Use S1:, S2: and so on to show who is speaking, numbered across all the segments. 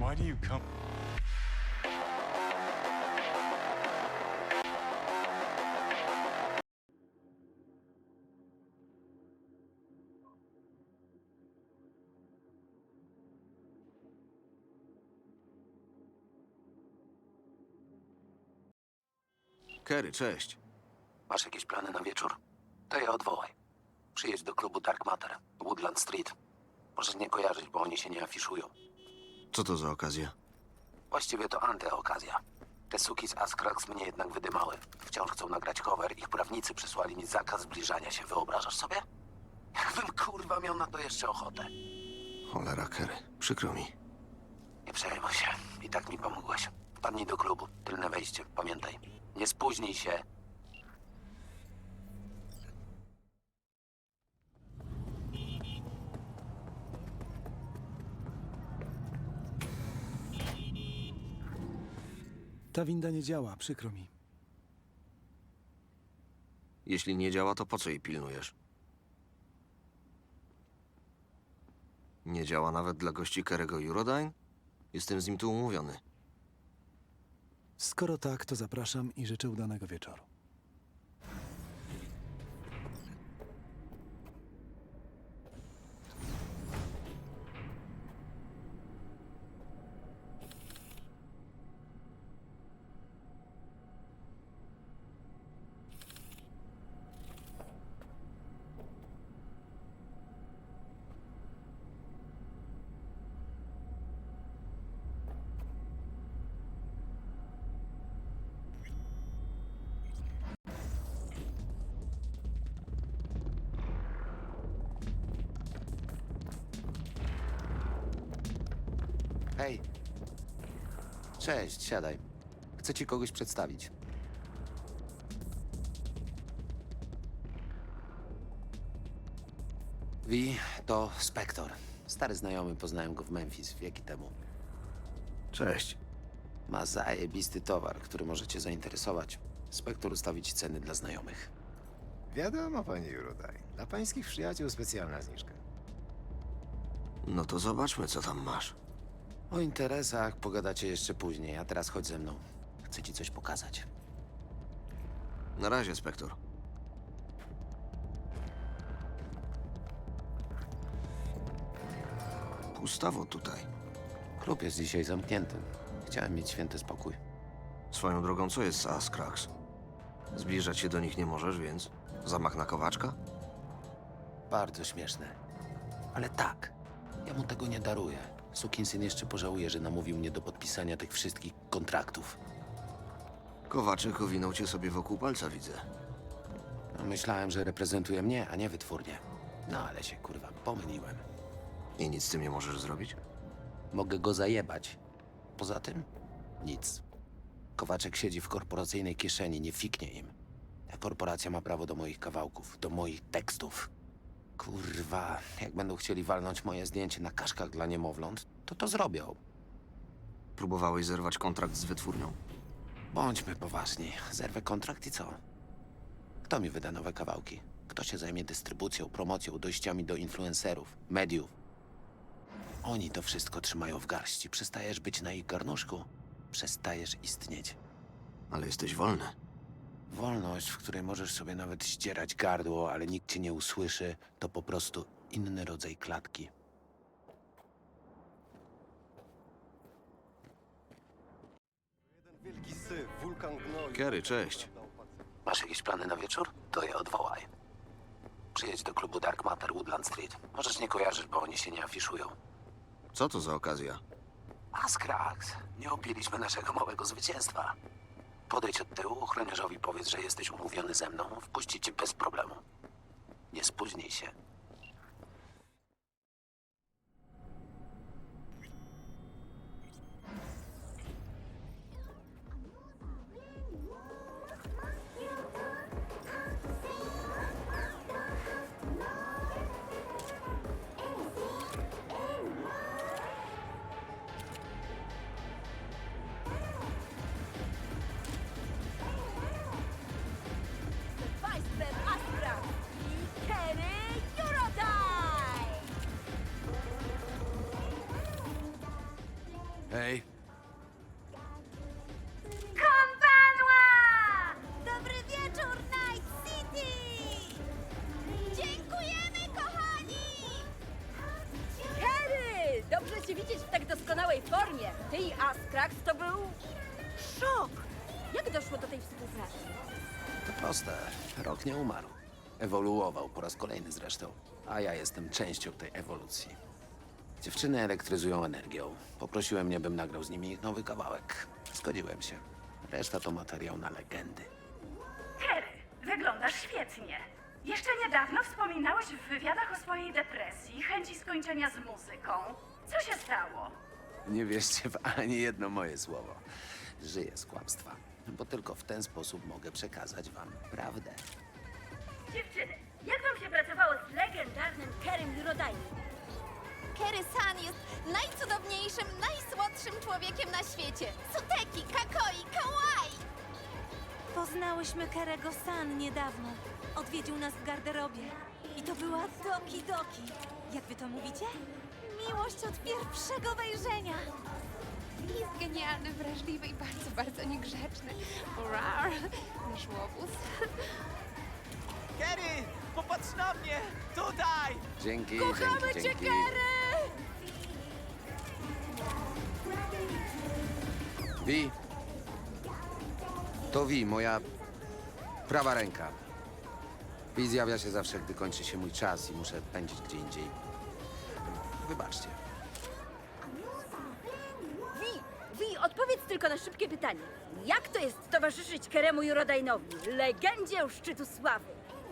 S1: Why do you come?
S2: Kerry, cześć.
S3: Masz jakieś plany na wieczór? To je odwołaj. Przyjedź do klubu Dark Matter, Woodland Street. Możesz nie kojarzyć, bo oni się nie afiszują.
S2: Co to za okazja?
S3: Właściwie to antyokazja. Te suki z Askrax mnie jednak wydymały. Wciąż chcą nagrać cover. Ich prawnicy przysłali mi zakaz zbliżania się. Wyobrażasz sobie? Jakbym kurwa miał na to jeszcze ochotę.
S2: Cholera, Kerry. Przykro mi.
S3: Nie przejmuj się. I tak mi pomogłeś. Wpadnij do klubu. Tylne wejście. Pamiętaj. Nie spóźnij się.
S4: Ta winda nie działa, przykro mi.
S2: Jeśli nie działa, to po co jej pilnujesz? Nie działa nawet dla gości Kerry'ego Eurodyne? Jestem z nim tu umówiony.
S4: Skoro tak, to zapraszam i życzę udanego wieczoru.
S3: Hej. Cześć, siadaj. Chcę ci kogoś przedstawić. Wi, to Spector. Stary znajomy, poznałem go w Memphis wieki temu.
S2: Cześć.
S3: Ma zajebisty towar, który może cię zainteresować. Spector ustawi ci ceny dla znajomych.
S5: Wiadomo, panie Eurodaj. Dla pańskich przyjaciół specjalna zniżka.
S2: No to zobaczmy, co tam masz.
S3: O interesach pogadacie jeszcze później, a teraz chodź ze mną. Chcę ci coś pokazać.
S2: Na razie, Spektor. Pustawo tutaj.
S3: Klub jest dzisiaj zamknięty. Chciałem mieć święty spokój.
S2: Swoją drogą, co jest z Askrax? Zbliżać się do nich nie możesz, więc zamach na Kowaczka?
S3: Bardzo śmieszne. Ale tak, ja mu tego nie daruję. Sukinsyn jeszcze pożałuje, że namówił mnie do podpisania tych wszystkich kontraktów.
S2: Kowaczek owinął cię sobie wokół palca, widzę.
S3: No, myślałem, że reprezentuje mnie, a nie wytwórnię. No ale się kurwa pomyliłem.
S2: I nic z tym nie możesz zrobić?
S3: Mogę go zajebać. Poza tym nic. Kowaczek siedzi w korporacyjnej kieszeni, nie fiknie im. Ta korporacja ma prawo do moich kawałków, do moich tekstów. Kurwa, jak będą chcieli walnąć moje zdjęcie na kaszkach dla niemowląt, to zrobią.
S2: Próbowałeś zerwać kontrakt z wytwórnią?
S3: Bądźmy poważni. Zerwę kontrakt i co? Kto mi wyda nowe kawałki? Kto się zajmie dystrybucją, promocją, dojściami do influencerów, mediów? Oni to wszystko trzymają w garści. Przestajesz być na ich garnuszku, przestajesz istnieć.
S2: Ale jesteś wolny.
S3: Wolność, w której możesz sobie nawet ścierać gardło, ale nikt cię nie usłyszy, to po prostu inny rodzaj klatki.
S5: Wielki syf, wulkan gnoi.
S2: Kerry, cześć.
S3: Masz jakieś plany na wieczór? To je odwołaj. Przyjedź do klubu Dark Matter, Woodland Street. Możesz nie kojarzyć, bo oni się nie afiszują.
S2: Co to za okazja?
S3: Askrax, nie opiliśmy naszego małego zwycięstwa. Podejdź od tyłu, ochroniarzowi powiedz, że jesteś umówiony ze mną. Wpuści cię bez problemu. Nie spóźnij się.
S6: Państwem Astra i Kerry
S3: Hej,
S1: Konbanwa! Dobry wieczór, Night City! Dziękujemy, kochani!
S6: Harry! Dobrze cię widzieć w tak doskonałej formie. Ty i Askrax to był szok. Jak doszło do tej współpracy?
S3: to proste. Rok nie umarł. Ewoluował po raz kolejny zresztą. A ja jestem częścią tej ewolucji. Dziewczyny elektryzują energią. Poprosiłem mnie, bym nagrał z nimi ich nowy kawałek. Zgodziłem się. Reszta to materiał na legendy.
S7: Terry, wyglądasz świetnie. Jeszcze niedawno wspominałeś w wywiadach o swojej depresji, chęci skończenia z muzyką. Co się stało?
S3: Nie wierzcie w ani jedno moje słowo. Żyję z kłamstwa, bo tylko w ten sposób mogę przekazać wam prawdę.
S6: Dziewczyny, jak wam się pracowało z legendarnym Kerem Jurodajnym?
S1: Kery-san jest najcudowniejszym, najsłodszym człowiekiem na świecie. Suteki, kakoi, kawaii! Poznałyśmy Kerego-san niedawno. Odwiedził nas w garderobie. I to była Doki Doki. Jak wy to mówicie? Miłość od pierwszego wejrzenia.
S8: Jest genialny, wrażliwy i bardzo, bardzo niegrzeczny. Rar, nasz łobuz.
S9: Kerry, popatrz na mnie! Tutaj!
S3: Dzięki,
S6: Kochamy
S3: dzięki,
S6: cię,
S3: dzięki.
S6: Kerry!
S3: Wi. To Wi, moja prawa ręka. Wi zjawia się zawsze, gdy kończy się mój czas i muszę pędzić gdzie indziej. Wybaczcie.
S6: Wi, odpowiedz tylko na szybkie pytanie. Jak to jest towarzyszyć Keremu Jurodajnowi, legendzie u szczytu sławy?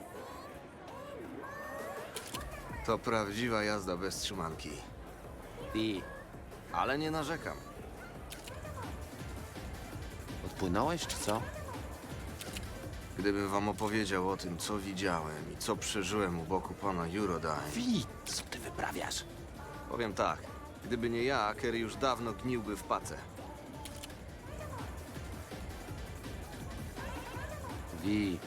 S2: To prawdziwa jazda bez trzymanki.
S3: Wi,
S2: Ale nie narzekam.
S3: odpłynąłeś czy co?
S2: Gdybym wam opowiedział o tym, co widziałem i co przeżyłem u boku pana Eurodyne,
S3: Wi, co ty wyprawiasz?
S2: powiem tak. Gdyby nie ja, Kerry już dawno gniłby w pace.
S3: Wi,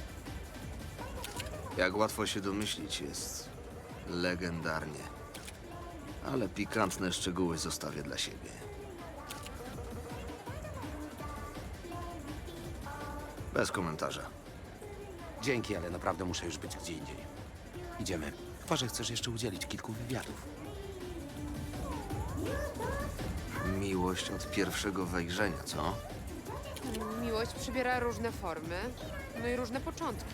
S2: Jak łatwo się domyślić, jest legendarnie. Ale pikantne szczegóły zostawię dla siebie. Bez komentarza.
S3: dzięki, ale naprawdę muszę już być gdzie indziej. Idziemy. Chyba, że chcesz jeszcze udzielić kilku wywiadów.
S2: Miłość od pierwszego wejrzenia, co?
S8: Miłość przybiera różne formy, no i różne początki.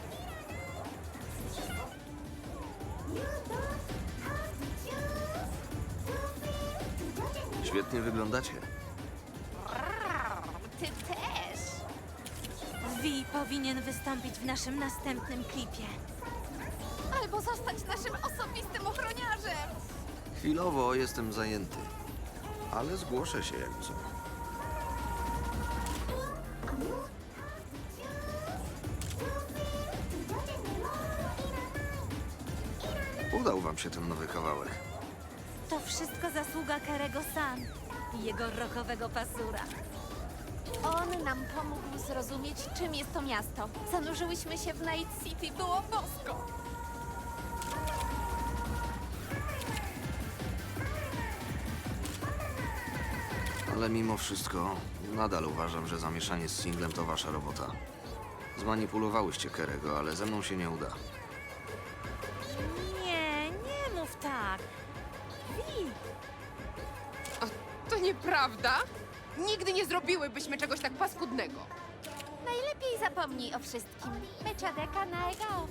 S2: Świetnie wyglądacie.
S1: Ty też! Vi powinien wystąpić w naszym następnym klipie. Albo zostać naszym osobistym ochroniarzem!
S2: Chwilowo jestem zajęty, ale zgłoszę się jak co. Udał wam się ten nowy kawałek.
S1: To wszystko zasługa Kerego-san i jego rockowego pasura. On nam pomógł zrozumieć, czym jest to miasto. Zanurzyłyśmy się w Night City, było bosko.
S2: Ale mimo wszystko, nadal uważam, że zamieszanie z singlem to wasza robota. Zmanipulowałyście Kerego, ale ze mną się nie uda.
S1: Nie, nie mów tak. Vi,
S8: To nieprawda? Nigdy nie zrobiłybyśmy czegoś tak paskudnego.
S1: najlepiej zapomnij o wszystkim. Meczadeka na egao.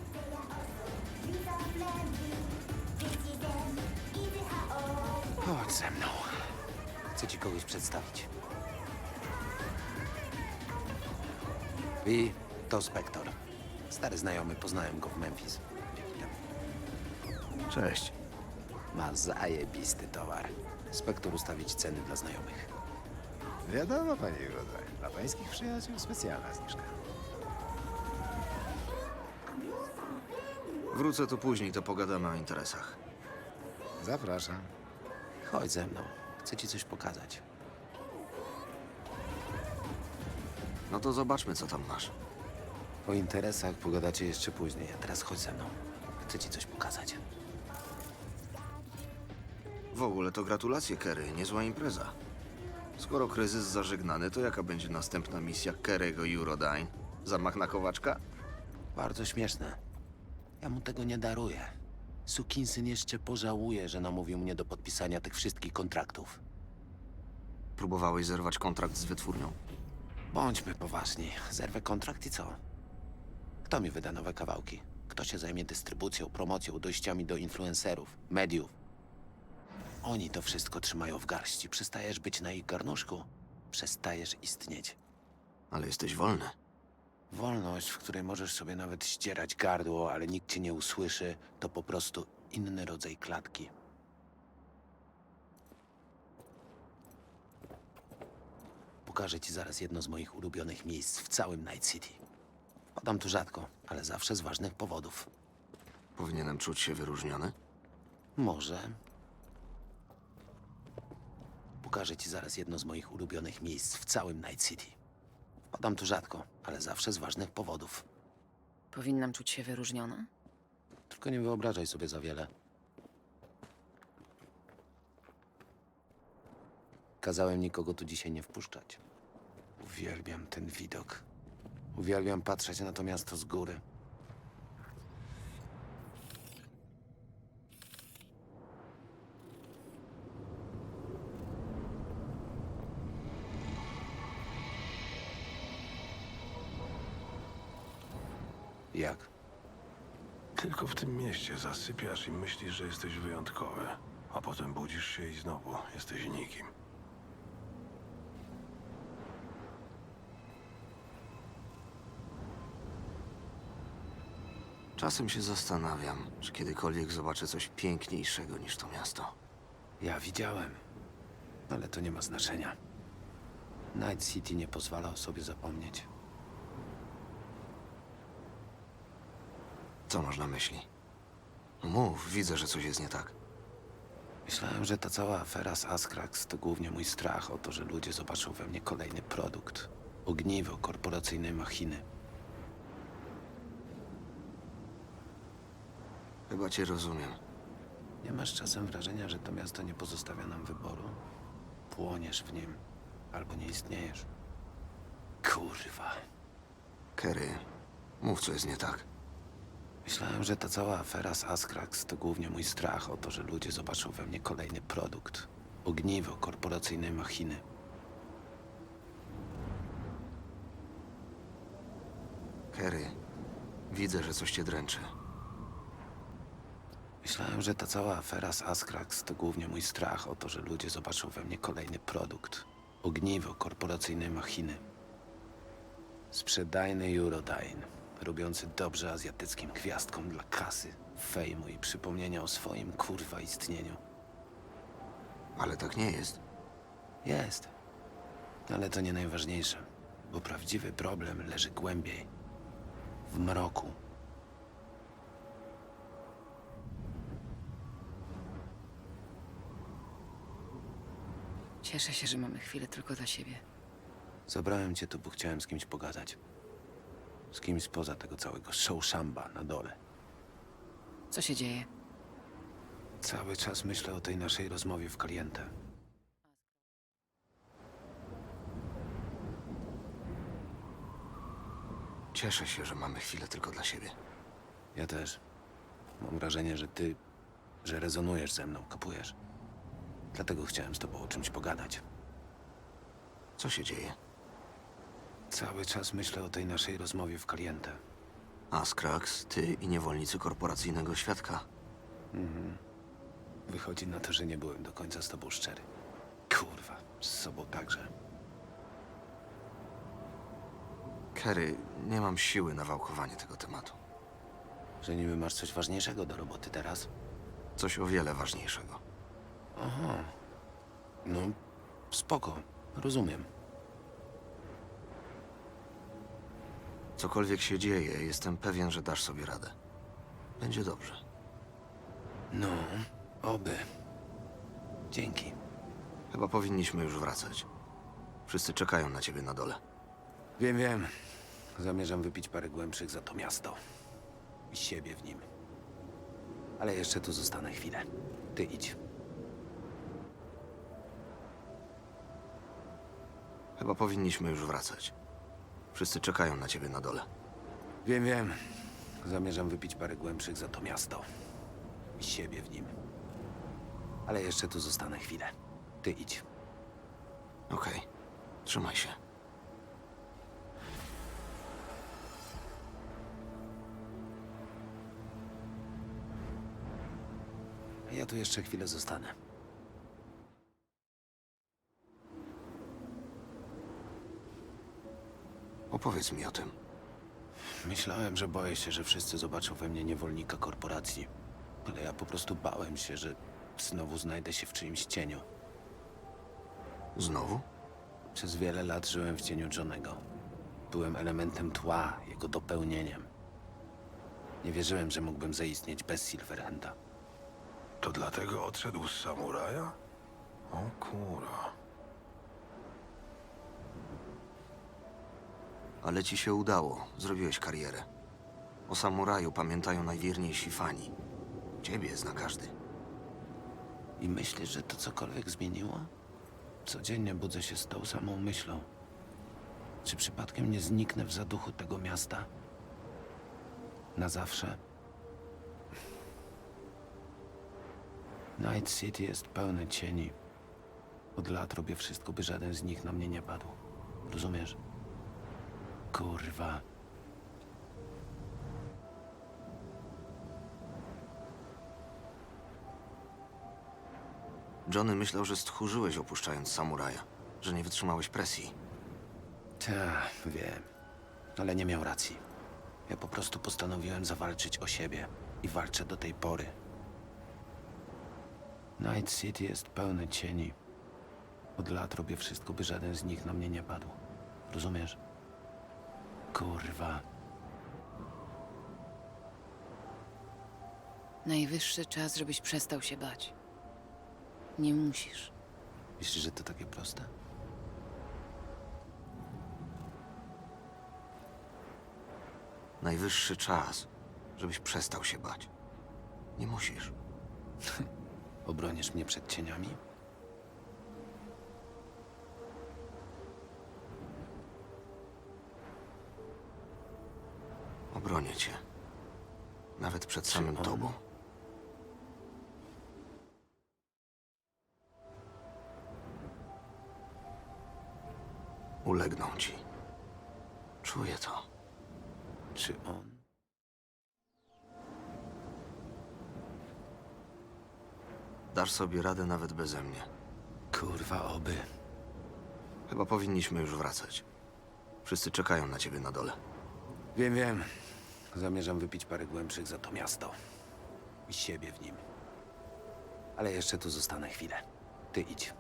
S3: Chodź ze mną. Chcę ci kogoś przedstawić. Wi, to Spektor. Stary znajomy, poznałem go w Memphis. Wieki temu.
S2: Cześć.
S3: Ma zajebisty towar. Spektor ustawić ceny dla znajomych.
S5: Wiadomo, panie Eurodyne. Dla pańskich przyjaciół specjalna zniżka.
S2: Wrócę tu później, to pogadamy o interesach.
S5: Zapraszam.
S3: Chodź ze mną. Chcę ci coś pokazać.
S2: No to zobaczmy, co tam masz.
S3: O interesach pogadacie jeszcze później, a teraz chodź ze mną. Chcę ci coś pokazać.
S2: W ogóle to gratulacje, Kerry. Niezła impreza. Skoro kryzys zażegnany, to jaka będzie następna misja Kerego i Eurodyne? Zamach na Kowaczka?
S3: Bardzo śmieszne. Ja mu tego nie daruję. Sukinsyn jeszcze pożałuje, że namówił mnie do podpisania tych wszystkich kontraktów.
S2: Próbowałeś zerwać kontrakt z wytwórnią?
S3: Bądźmy poważni. Zerwę kontrakt i co? Kto mi wyda nowe kawałki? Kto się zajmie dystrybucją, promocją, dojściami do influencerów, mediów? Oni to wszystko trzymają w garści. Przestajesz być na ich garnuszku, przestajesz istnieć.
S2: Ale jesteś wolny.
S3: Wolność, w której możesz sobie nawet ścierać gardło, ale nikt cię nie usłyszy, to po prostu inny rodzaj klatki. Pokażę ci zaraz jedno z moich ulubionych miejsc w całym Night City. Wpadam tu rzadko, ale zawsze z ważnych powodów.
S2: Powinienem czuć się wyróżniony?
S3: Może. Pokażę ci zaraz jedno z moich ulubionych miejsc w całym Night City. Wpadam tu rzadko, ale zawsze z ważnych powodów.
S10: Powinnam czuć się wyróżniona?
S3: Tylko nie wyobrażaj sobie za wiele. Kazałem nikogo tu dzisiaj nie wpuszczać. Uwielbiam ten widok. Uwielbiam patrzeć na to miasto z góry. Jak?
S11: Tylko w tym mieście zasypiasz i myślisz, że jesteś wyjątkowy, a potem budzisz się i znowu jesteś nikim.
S2: Czasem się zastanawiam, czy kiedykolwiek zobaczę coś piękniejszego niż to miasto.
S3: Ja widziałem, ale to nie ma znaczenia. Night City nie pozwala o sobie zapomnieć.
S2: Co masz na myśli? No mów, widzę, że coś jest nie tak.
S3: Myślałem, że ta cała afera z Askrax to głównie mój strach o to, że ludzie zobaczą we mnie kolejny produkt. Ogniwo korporacyjnej machiny.
S2: Chyba cię rozumiem.
S3: Nie masz czasem wrażenia, że to miasto nie pozostawia nam wyboru? Płoniesz w nim, albo nie istniejesz. Kurwa.
S2: Kerry, mów, co jest nie tak.
S3: Myślałem, że ta cała afera z Askrax to głównie mój strach o to, że ludzie zobaczą we mnie kolejny produkt. Ogniwo korporacyjnej machiny.
S2: Kerry, widzę, że coś cię dręczy.
S3: Myślałem, że ta cała afera z Askrax to głównie mój strach o to, że ludzie zobaczą we mnie kolejny produkt. Ogniwo korporacyjnej machiny. Sprzedajny Eurodyne, robiący dobrze azjatyckim gwiazdkom dla kasy, fejmu i przypomnienia o swoim kurwa istnieniu.
S2: Ale tak nie jest.
S3: Jest. Ale to nie najważniejsze, bo prawdziwy problem leży głębiej. W mroku.
S10: Cieszę się, że mamy chwilę tylko dla siebie.
S3: Zabrałem cię tu, bo chciałem z kimś pogadać. Z kimś spoza tego całego show szamba na dole.
S10: Co się dzieje?
S3: Cały czas myślę o tej naszej rozmowie w Caliente.
S2: Cieszę się, że mamy chwilę tylko dla siebie.
S3: Ja też. Mam wrażenie, że rezonujesz ze mną, kapujesz? Dlatego chciałem z tobą o czymś pogadać.
S2: Co się dzieje?
S3: Cały czas myślę o tej naszej rozmowie w Caliente.
S2: Askrax, ty i niewolnicy korporacyjnego świadka.
S3: Wychodzi na to, że nie byłem do końca z tobą szczery. Kurwa, z sobą także.
S2: Kerry, nie mam siły na wałkowanie tego tematu.
S3: Że niby masz coś ważniejszego do roboty teraz?
S2: Coś o wiele ważniejszego.
S3: Aha. No, spoko. Rozumiem.
S2: Cokolwiek się dzieje, jestem pewien, że dasz sobie radę. Będzie dobrze.
S3: No, oby. Dzięki.
S2: Chyba powinniśmy już wracać. Wszyscy czekają na ciebie na dole.
S3: Wiem. Zamierzam wypić parę głębszych za to miasto. I siebie w nim. Ale jeszcze tu zostanę chwilę. Ty idź.
S2: Chyba powinniśmy już wracać. Wszyscy czekają na ciebie na dole.
S3: Wiem, wiem. Zamierzam wypić parę głębszych za to miasto. I siebie w nim. Ale jeszcze tu zostanę chwilę. Ty idź.
S2: Okej. Trzymaj się.
S3: A ja tu jeszcze chwilę zostanę.
S2: Opowiedz mi o tym.
S3: Myślałem, że boję się, że wszyscy zobaczą we mnie niewolnika korporacji. Ale ja po prostu bałem się, że znowu znajdę się w czyimś cieniu.
S2: Znowu?
S3: Przez wiele lat żyłem w cieniu Johnego. Byłem elementem tła, jego dopełnieniem. Nie wierzyłem, że mógłbym zaistnieć bez Silverhanda.
S11: To dlatego odszedł z samuraja? O kurwa.
S2: Ale ci się udało. Zrobiłeś karierę. O samuraju pamiętają najwierniejsi fani. Ciebie zna każdy.
S3: I myślisz, że to cokolwiek zmieniło? Codziennie budzę się z tą samą myślą. Czy przypadkiem nie zniknę w zaduchu tego miasta? Na zawsze? Night City jest pełne cieni. Od lat robię wszystko, by żaden z nich na mnie nie padł. Rozumiesz? Kurwa.
S2: Johnny myślał, że stchórzyłeś opuszczając samuraja. Że nie wytrzymałeś presji.
S3: Wiem. Ale nie miał racji. Ja po prostu postanowiłem zawalczyć o siebie. I walczę do tej pory. Night City jest pełne cieni. Od lat robię wszystko, by żaden z nich na mnie nie padł. Rozumiesz? Kurwa.
S10: Najwyższy czas, żebyś przestał się bać. Nie musisz.
S3: Myślisz, że to takie proste?
S2: Najwyższy czas, żebyś przestał się bać. Nie musisz.
S3: Obronisz mnie przed cieniami?
S2: Obronię cię. Nawet przed samym
S3: on?
S2: tobą. Ulegną ci. Czuję to.
S3: Czy on?
S2: Dasz sobie radę nawet beze mnie.
S3: Kurwa, oby.
S2: Chyba powinniśmy już wracać. Wszyscy czekają na ciebie na dole.
S3: Wiem, wiem. Zamierzam wypić parę głębszych za to miasto. I siebie w nim. Ale jeszcze tu zostanę chwilę. Ty idź.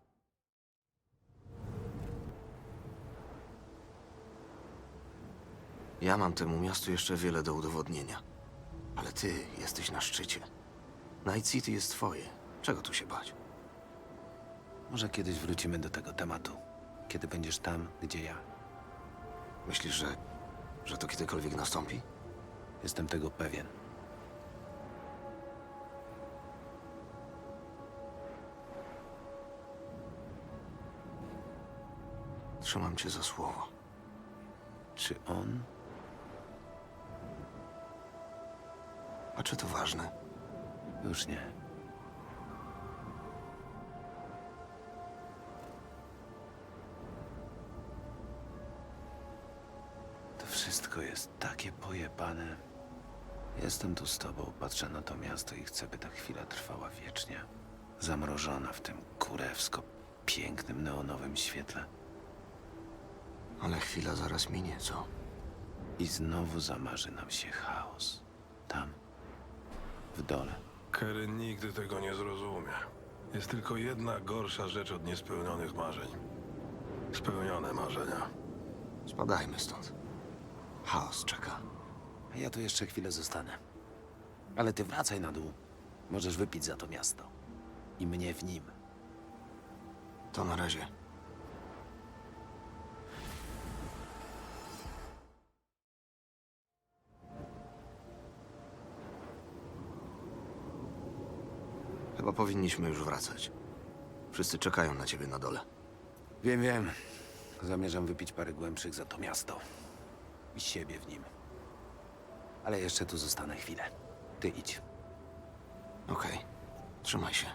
S2: Ja mam temu miastu jeszcze wiele do udowodnienia. Ale ty jesteś na szczycie. Night City jest twoje. Czego tu się bać?
S3: Może kiedyś wrócimy do tego tematu. Kiedy będziesz tam, gdzie ja.
S2: Myślisz, że to kiedykolwiek nastąpi?
S3: Jestem tego pewien.
S2: Trzymam cię za słowo.
S3: Czy on?
S2: A czy to ważne?
S3: Już nie. To wszystko jest takie pojebane. Jestem tu z tobą, patrzę na to miasto i chcę, by ta chwila trwała wiecznie. Zamrożona w tym kurewsko pięknym neonowym świetle.
S2: Ale chwila zaraz minie, co?
S3: I znowu zamarzy nam się chaos. Tam, w dole.
S11: Kerry nigdy tego nie zrozumie. Jest tylko jedna gorsza rzecz od niespełnionych marzeń. Spełnione marzenia.
S2: Spadajmy stąd. Chaos czeka.
S3: A ja tu jeszcze chwilę zostanę. Ale ty wracaj na dół. Możesz wypić za to miasto. I mnie w nim.
S2: To na razie. Chyba powinniśmy już wracać. Wszyscy czekają na ciebie na dole.
S3: Wiem, wiem. Zamierzam wypić parę głębszych za to miasto. I siebie w nim. Ale jeszcze tu zostanę chwilę. Ty idź.
S2: Okej. Trzymaj się.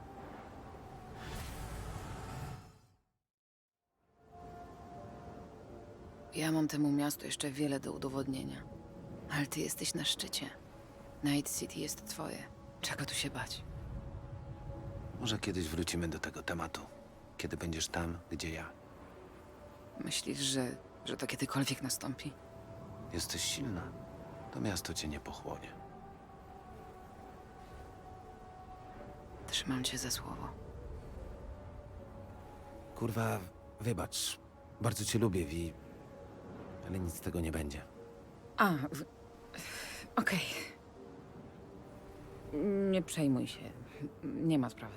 S10: Ja mam temu miastu jeszcze wiele do udowodnienia. Ale ty jesteś na szczycie. Night City jest twoje. Czego tu się bać?
S3: Może kiedyś wrócimy do tego tematu. Kiedy będziesz tam, gdzie ja.
S10: Myślisz, że to kiedykolwiek nastąpi?
S3: Jesteś silna. To miasto cię nie pochłonie.
S10: Trzymam cię za słowo.
S3: Kurwa, wybacz. Bardzo cię lubię, Vi. Ale nic z tego nie będzie.
S10: Okej. Nie przejmuj się. Nie ma sprawy.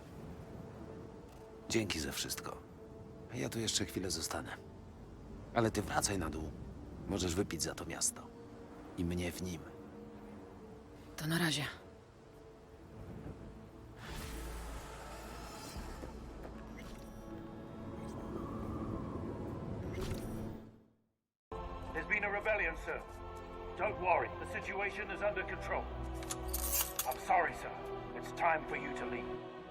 S3: Dzięki za wszystko. Ja tu jeszcze chwilę zostanę. Ale ty wracaj na dół. Możesz wypić za to miasto. I mnie w nim.
S10: To na razie.
S12: There's been a rebellion, sir. Don't worry, the situation is under control. I'm sorry, sir. It's time for you to leave.